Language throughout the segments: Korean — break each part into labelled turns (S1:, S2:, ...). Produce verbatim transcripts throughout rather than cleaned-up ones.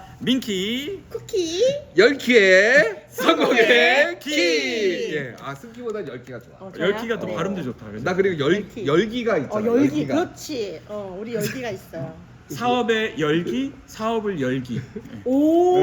S1: 민키
S2: 쿠키
S3: 열 키의 성공의
S2: 성공의
S3: 키.
S2: 키.
S3: 예, 아 승키보다 열 키가 좋아.
S2: 어, 좋아요?
S1: 열기가 더
S2: 네.
S1: 발음도 좋다. 그죠?
S3: 나 그리고 열
S2: 열기.
S3: 열기가 있잖아.
S2: 어 열기
S3: 열기가.
S2: 그렇지. 어 우리 열기가 있어요.
S1: 사업의 열기, 사업을 열기.
S2: 오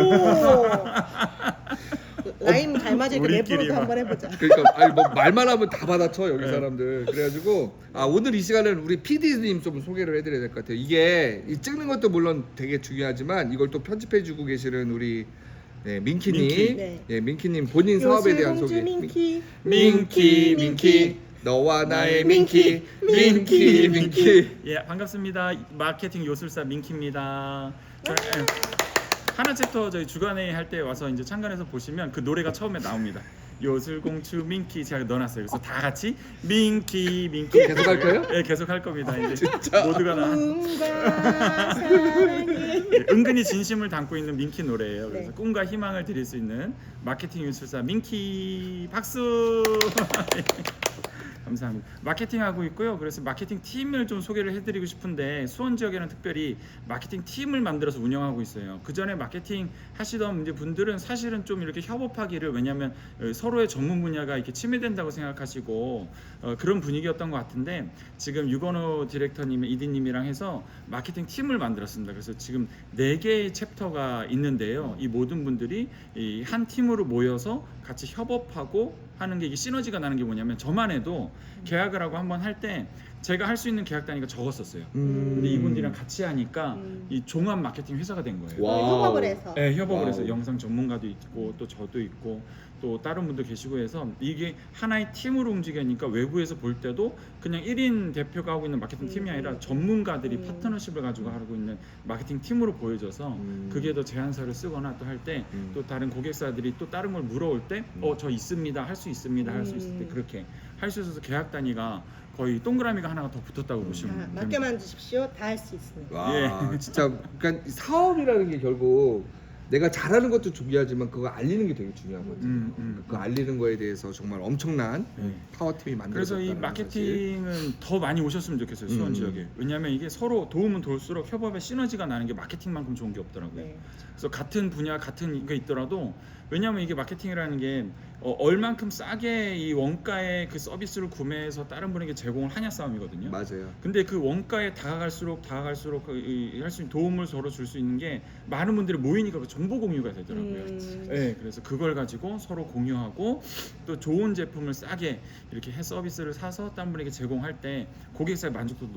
S2: 라임 잘 맞으니까
S1: 우리끼리
S2: 랩으로도
S1: 막.
S2: 한번 해보자.
S3: 그러니까 아니 뭐 말만 하면 다 받아쳐 여기
S1: 네.
S3: 사람들. 그래가지고 아 오늘 이 시간은 우리 피디님 좀 소개를 해드려야 될 것 같아요. 이게 이 찍는 것도 물론 되게 중요하지만 이걸 또 편집해주고 계시는 우리 네, 민키님,
S1: 민키.
S2: 네.
S3: 예, 민키님 본인 사업에 대한
S2: 요술공주
S3: 소개.
S2: 민키
S3: 민키, 민키, 너와 나의 민키, 민키, 민키.
S1: 예, 반갑습니다. 마케팅 요술사 민키입니다. 저, 예, 하나 챕터 저희 주간회의 할 때 와서 이제 참관해서 보시면 그 노래가 처음에 나옵니다. 요술공주 민키 제가 넣어놨어요. 그래서 다 같이 민키, 민키
S3: 계속 할 거예요?
S1: 예, 계속 할 겁니다. 이제
S3: 진짜?
S1: 모두가 다
S2: 꿈과 사랑이
S1: 예, 은근히 진심을 담고 있는 민키 노래예요. 그래서
S2: 네.
S1: 꿈과 희망을 드릴 수 있는 마케팅 요술사 민키 박수. 감사합니다. 마케팅 하고 있고요. 그래서 마케팅 팀을 좀 소개를 해드리고 싶은데 수원 지역에는 특별히 마케팅 팀을 만들어서 운영하고 있어요. 그 전에 마케팅 하시던 이제 분들은 사실은 좀 이렇게 협업하기를 왜냐하면 서로의 전문 분야가 이렇게 침해된다고 생각하시고 어, 그런 분위기였던 것 같은데 지금 유건호 디렉터님, 이디님이랑 해서 마케팅 팀을 만들었습니다. 그래서 지금 네 개의 챕터가 있는데요. 이 모든 분들이 이 한 팀으로 모여서 같이 협업하고 하는 게 이게 시너지가 나는 게 뭐냐면 저만 해도 계약을 하고 한번 할 때 제가 할 수 있는 계약 단위가 적었었어요.
S3: 음.
S1: 근데 이분들이랑 같이 하니까
S2: 음.
S1: 이 종합 마케팅 회사가 된 거예요.
S3: 와.
S2: 협업을 해서
S1: 네, 협업을
S3: 와우.
S1: 해서 영상 전문가도 있고 또 저도 있고 또 다른 분도 계시고 해서 이게 하나의 팀으로 움직이니까 외부에서 볼 때도 그냥 일 인 대표가 하고 있는 마케팅 팀이
S2: 음.
S1: 아니라 전문가들이
S2: 음.
S1: 파트너십을 가지고 하고 있는 마케팅 팀으로 보여져서
S3: 음.
S1: 그게 더 제안서를 쓰거나 또 할 때 또
S3: 음.
S1: 다른 고객사들이 또 다른 걸 물어올 때 어 저 있습니다 할 수 있습니다 할 수 있을 때
S2: 음.
S1: 그렇게 할 수 있어서 계약 단위가 거의 동그라미가 하나가 더 붙었다고 보시면
S2: 자,
S1: 됩니다.
S2: 맡겨만 주십시오. 다 할 수 있습니다.
S3: 와,
S1: 예.
S3: 진짜 그러니까 이 사업이라는 게 결국 내가 잘하는 것도 중요하지만 그거 알리는 게 되게 중요하거든요.
S1: 음, 음,
S3: 그 알리는 거에 대해서 정말 엄청난
S1: 네.
S3: 파워팀이
S1: 그래서
S3: 만들어졌다는
S1: 이 마케팅은 더 많이 오셨으면 좋겠어요 수원
S3: 음.
S1: 지역에. 왜냐하면 이게 서로 도움은 도울수록 협업에 시너지가 나는 게 마케팅만큼 좋은 게 없더라고요.
S2: 네.
S1: 그래서 같은 분야 같은 게 있더라도 왜냐하면 이게 마케팅이라는 게 어, 얼만큼 싸게 이 원가의 그 서비스를 구매해서 다른 분에게 제공을 하냐 싸움이거든요.
S3: 맞아요.
S1: 근데 그 원가에 다가갈수록 다가갈수록 그 할 수 있는 도움을 서로 줄 수 있는 게 많은 분들이 모이니까 그 정보 공유가 되더라고요.
S2: 음.
S1: 네, 그래서 그걸 가지고 서로 공유하고 또 좋은 제품을 싸게 이렇게 해 서비스를 사서 다른 분에게 제공할 때 고객사의 만족도도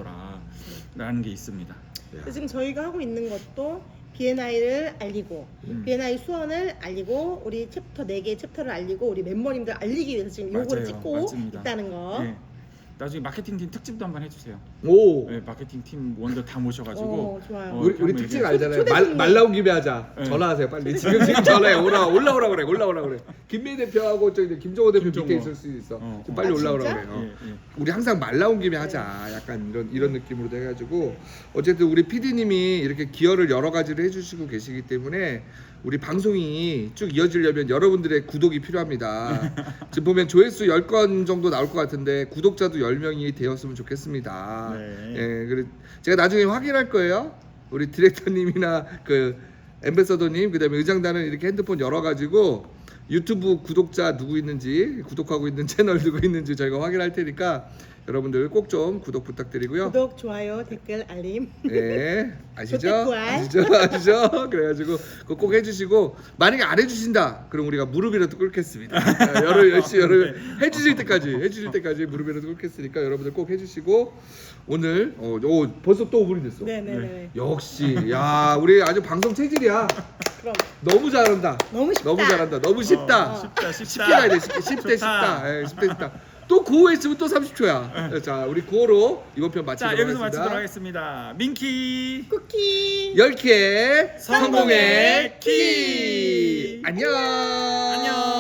S1: 높아지더라라는 게 있습니다.
S2: 그래서 지금 저희가 하고 있는 것도 비엔아이를 알리고
S1: 음.
S2: 비엔아이 수원을 알리고 우리 챕터 네 개의 챕터를 알리고 우리 멤버님들 알리기 위해서 지금 요거를
S1: 맞아요.
S2: 찍고
S1: 맞습니다.
S2: 있다는 거.
S1: 네. 나중에 마케팅 팀 특집도 한번 해주세요.
S3: 오,
S1: 네, 마케팅 팀 원들 다 모셔가지고
S2: 어, 좋아요.
S1: 어,
S3: 우리
S1: 이렇게
S3: 우리
S1: 한번
S3: 특징
S1: 얘기해.
S3: 알잖아요.
S2: 초대
S3: 말,
S2: 손님.
S3: 말 나온 김에 하자.
S1: 네.
S3: 전화하세요, 빨리. 지금 지금 전화해. 올라 올라오라 그래. 올라오라 그래. 김민희 대표하고 저기 김정호 대표
S1: 김정호.
S3: 밑에 있을 수 있어.
S1: 어,
S3: 지금
S1: 어.
S3: 빨리
S2: 아,
S3: 올라오라
S2: 진짜?
S3: 그래. 어.
S1: 예, 예.
S3: 우리 항상 말 나온 김에 하자. 약간 이런 이런 느낌으로 해가지고 어쨌든 우리 피디님이 이렇게 기여를 여러 가지를 해주시고 계시기 때문에 우리 방송이 쭉 이어지려면 여러분들의 구독이 필요합니다. 지금 보면 조회수 열 건 정도 나올 것 같은데 구독자도 열 명이 되었으면 좋겠습니다.
S1: 네.
S3: 예, 그래 제가 나중에 확인할 거예요. 우리 디렉터님이나 그 엠베서더님 그다음에 의장단은 이렇게 핸드폰 열어가지고 유튜브 구독자 누구 있는지 구독하고 있는 채널 누구 있는지 저희가 확인할 테니까 여러분들 꼭 좀 구독 부탁드리고요.
S2: 구독, 좋아요, 댓글, 알림.
S3: 예, 아시죠?
S2: 좋겠구알.
S3: 아시죠? 아시죠? 그래가지고 그거 꼭 해주시고 만약에 안 해주신다, 그럼 우리가 무릎이라도 꿇겠습니다. 아, 여러 열심히 여러 해주실 때까지 해주실 때까지 무릎이라도 꿇겠으니까 여러분들 꼭 해주시고 오늘 어, 오, 벌써 또 오 분이 됐어.
S2: 네네네.
S3: 역시 야 우리 아주 방송 체질이야.
S2: 그럼
S3: 너무 잘한다.
S2: 너무 쉽다.
S3: 너무 잘한다. 너무 쉽다.
S1: 어, 쉽다, 쉽다.
S3: 쉽게 가야 돼. 쉽게. 십 대
S1: 좋다.
S3: 쉽다. 예, 십 대 쉽다. 또 구호 있으면 또 삼십 초야. 자, 우리 구호로 이번 편 마치도록
S1: 자 여기서
S3: 하겠습니다.
S1: 마치도록 하겠습니다. 민키
S2: 쿠키.
S3: 열 키의
S1: 성공의 키.
S3: 안녕.
S1: 안녕.